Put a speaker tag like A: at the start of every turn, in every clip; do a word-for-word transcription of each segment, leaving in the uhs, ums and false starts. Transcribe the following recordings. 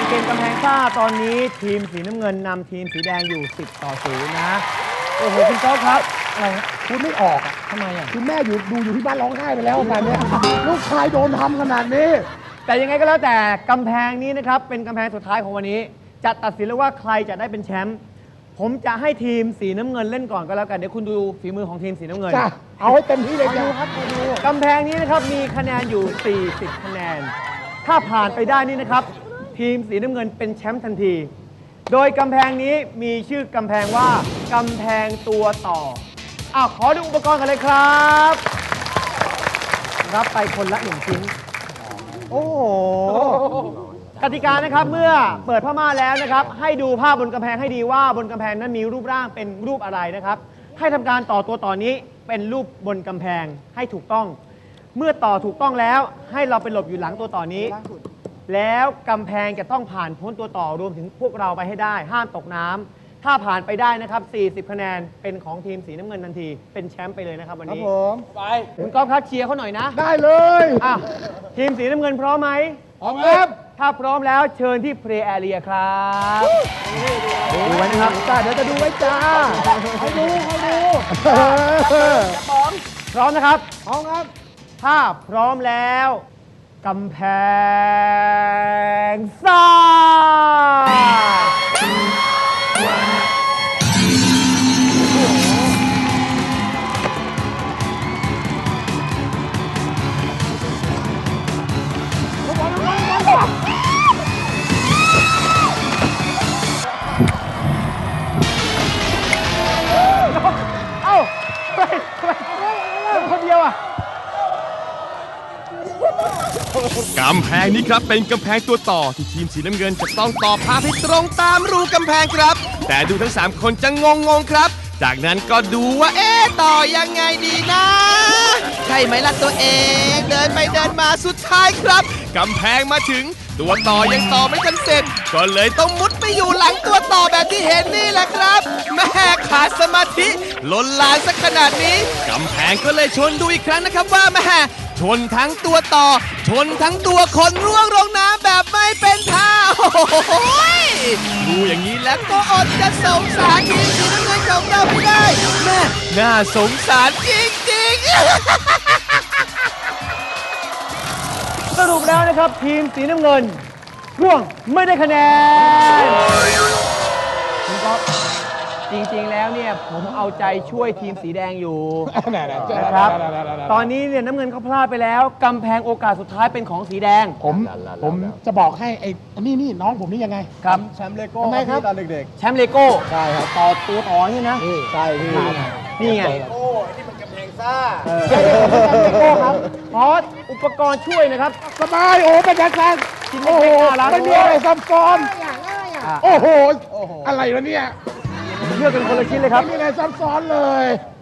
A: เกมกำแพงซ่าตอนนี้ทีมสีน้ำเงินนำทีมสีแดงอยู่สิบต่อศูนย์นะโอ้โหคุณโต๊ะครับอะไรพูดไม่ออกอ่ะทำไมอ่ะ
B: คุณแม่อยู่ดูอยู่ที่บ้านร้องไห้ไปแล้วขนาดนี้ลูกชายโดนทำขนาดนี้
A: แต่ยังไงก็แล้วแต่กำแพงนี้นะครับเป็นกำแพงสุดท้ายของวันนี้จะตัดสินแล้วว่าใครจะได้เป็นแชมป์ผมจะให้ทีมสีน้ำเงินเล่นก่อนก็แล้วกันเดี๋ยวคุณดูฝีมือของทีมสีน้ำเงิน
B: จ้ะเอาให้เต็มที่เลยจ้ะครับ
A: กำแพงนี้นะครับมีคะแนนอยู่สี่สิบคะแนนถ้าผ่านไปได้นี่นะครับทีมสีน้ำเงินเป็นแชมป์ทันทีโดยกำแพงนี้มีชื่อกำแพงว่ากำแพงตัวต่ออ้าวขอดูอุปกรณ์กันเลยครับรับไปคนละหนึ่งชิ้นโอ้โหกติกานะครับเมื่อเปิดผ้าม่านแล้วนะครับให้ดูภาพบนกำแพงให้ดีว่าบนกำแพงนั้นมีรูปร่างเป็นรูปอะไรนะครับให้ทำการต่อตัวต่อนี้เป็นรูปบนกำแพงให้ถูกต้องเมื่อต่อถูกต้องแล้วให้เราไปหลบอยู่หลังตัวต่อนี้แล้วกำแพงจะต้องผ่านพ้นตัวต่อรวมถึงพวกเราไปให้ได้ห้ามตกน้ำถ้าผ่านไปได้นะครับสี่สิบคะแนนเป็นของทีมสีน้ำเงินทันทีเป็นแชมป์ไปเลยนะครับวันนี้
B: ครับผม
A: ไปคุณก๊อฟครับเชียร์เขาหน่อยนะ
B: ได้เลย
A: อ่ะทีมสีน้ำเงินพร้อมไหม
B: พร้อมครับ
A: ถ้าพร้อมแล้วเชิญที่เพลย์แอเรียครับดูไว้นะครับ
B: จ้าเดี๋ยวจะดูไว้จ้าให้ดูให้ดู
A: พร้อมพร้อมนะครับ
B: พร้อมครับ
A: ถ้าพร้อมแล้วกำแพงซ่าเอ้าทำไมทำไมคนเดียวอ่ะ
C: กำแพงนี้ครับเป็นกำแพงตัวต่อที่ทีมสีน้ำเงินจะต้องต่อภาพให้ตรงตามรูกำแพงครับแต่ดูทั้งสามคนจะงงงครับจากนั้นก็ดูว่าเอ๊ะต่อยังไงดีนะใช่ไหมล่ะตัวเองเดินไปเดินมาสุดท้ายครับกำแพงมาถึงตัวต่อยังต่อไม่ทันเสร็จก็เลยต้องมุดไปอยู่หลังตัวต่อแบบที่เห็นนี่แหละครับแม่ขาดสมาธิล้นลานสักขนาดนี้กำแพงก็เลยชวนดูอีกครั้งนะครับว่าแม่ชนทั้งตัวต่อชนทั้งตัวคนร่วงลงน้ำแบบไม่เป็นท่าโอ้โหดูอย่างนี้แล้วก็อดจะสงสารทีมสีน้ำเงินของเราไม่ได้แม่น่าสงสารจริงๆ
A: สรุปแล้วนะครับทีมสีน้ำเงินร่วงไม่ได้คะแนนคุณก๊อฟจริงๆแล้วเนี่ยผมเอาใจช่วยทีมสีแดงอยู่นะครับตอนนี้เนี่ยน้ำเงินเขาพลาดไปแล้วกำแพงโอกาสสุดท้ายเป็นของสีแดง
B: ผมผมจะบอกให้ไอ้นี่นี่น้องผมนี่ยังไง
A: ครับ
B: แชมป์เลโก้ทำไมครับตอนเด็ก
A: ๆแชมป์เลโก้
B: ใช่ครับ
A: ต่อตัวต่อนี่นะ
B: ใช่พี่
A: นี่ไง
B: เลโก้ที่มันกำแพงซ่า
A: ใช่เลโก้ครับเพราะอุปกรณ์ช่วยนะครับ
B: สบายโอ้เป็นการการโอ้โหไม่มีอะไรซับซ้อนโอ้โหอะไรวะเนี่ย
A: เลือกเป็นคนละชิ้นเลยครับ
B: ไม่มีอะไรซับซ้อนเลย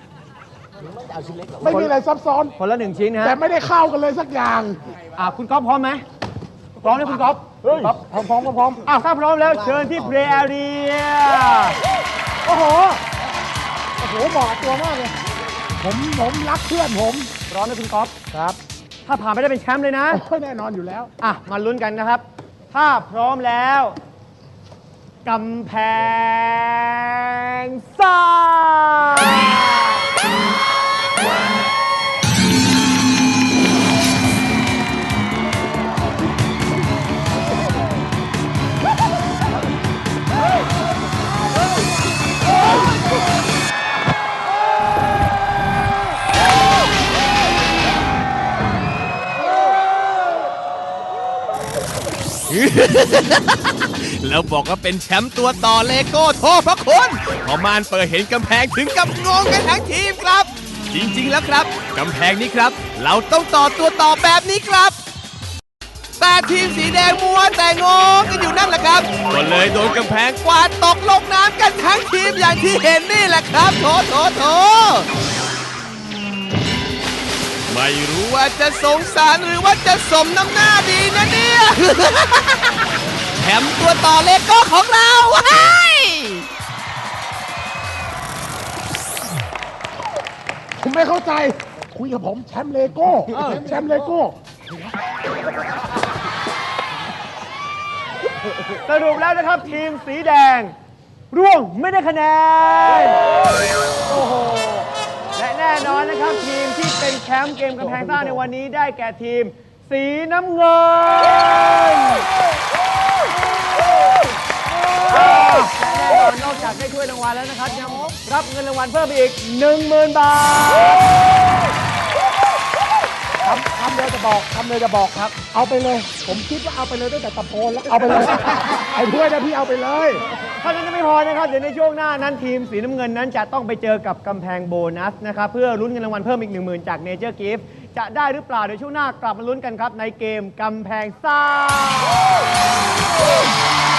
B: ไม่มีอะไรซับซ้อน
A: คนละหนึ่งชิ้นนะ
B: แต่ไม่ได้เข้ากันเลยสักอย่าง
A: อ่าคุณก๊อฟพร้อมไหมพร้อมไหมคุณก๊อฟ
B: ครับพร้อมพร้อมพร้อม
A: อ่าถ้าพร้อมแล้วเชิญที่เพลย์แอเรียโอ้โห
B: โอ้โหเหมาะตัวมากเลยผมผมรักเพื่อนผม
A: พร้อมไหมคุณก๊อฟ
B: ครับ
A: ถ้าผ่านไปได้เป็นแชมป์เลยนะ
B: แน่นอนอยู่แล้ว
A: อ่ะมาลุ้นกันนะครับถ้าพร้อมแล้วกำแพงซ่า
C: แล้วบอกว่าเป็นแชมป์ตัวต่อเลโก้โทษพระคุณพอมานเปิดเห็นกำแพงถึงกับงงกันทั้งทีมครับจริงๆแล้วครับกำแพงนี้ครับเราต้องต่อตัวต่อแบบนี้ครับแต่ทีมสีแดงมัวแต่งงกันอยู่นั่นแหละครับก็เลยโดนกำแพงกวาดตกลงน้ำกันทั้งทีมอย่างที่เห็นนี่แหละครับโถโถโถไม่รู้ว่าจะสงสารหรือว่าจะสมน้ำหน้าดีนะเนี่ยแชมป์ตัวต่อเลโก้ของเรา
B: ผมไม่เข้าใจคุยกับผมแชมป์เลโก้แชมป์เลโก้
A: สรุปแล้วนะครับทีมสีแดงร่วงไม่ได้คะแนนโอ้โหและแน่นอนนะครับทีมที่เป็นแชมป์เกมกำแพงซ่าในวันนี้ได้แก่ทีมสีน้ำเงินและแน่นอนนอกจากได้ถ้วยรางวัลแล้วนะครับยังรับเงินรางวัลเพิ่มอีก หนึ่งหมื่น บาท
B: คำคำเดียวจะบอกคำเดียวจะบอกครับ เอาไปเลย ผมคิดว่าเอาไปเลยตั้งแต่ตะโพนแล้วเอาไปเลยไอ้ถ้วยนะพี่เอาไปเลย
A: เท่านั้นยังไม่พอนะครับเดี๋ยวในช่วงหน้านั้นทีมสีน้ำเงินนั้นจะต้องไปเจอกับกำแพงโบนัสนะครับเพื่อลุ้นเงินรางวัลเพิ่มอีก หนึ่งหมื่น จากเนเจอร์กิฟต์จะได้หรือเปล่าเดี๋ยวช่วงหน้ากลับมาลุ้นกันครับในเกมกำแพงซ่า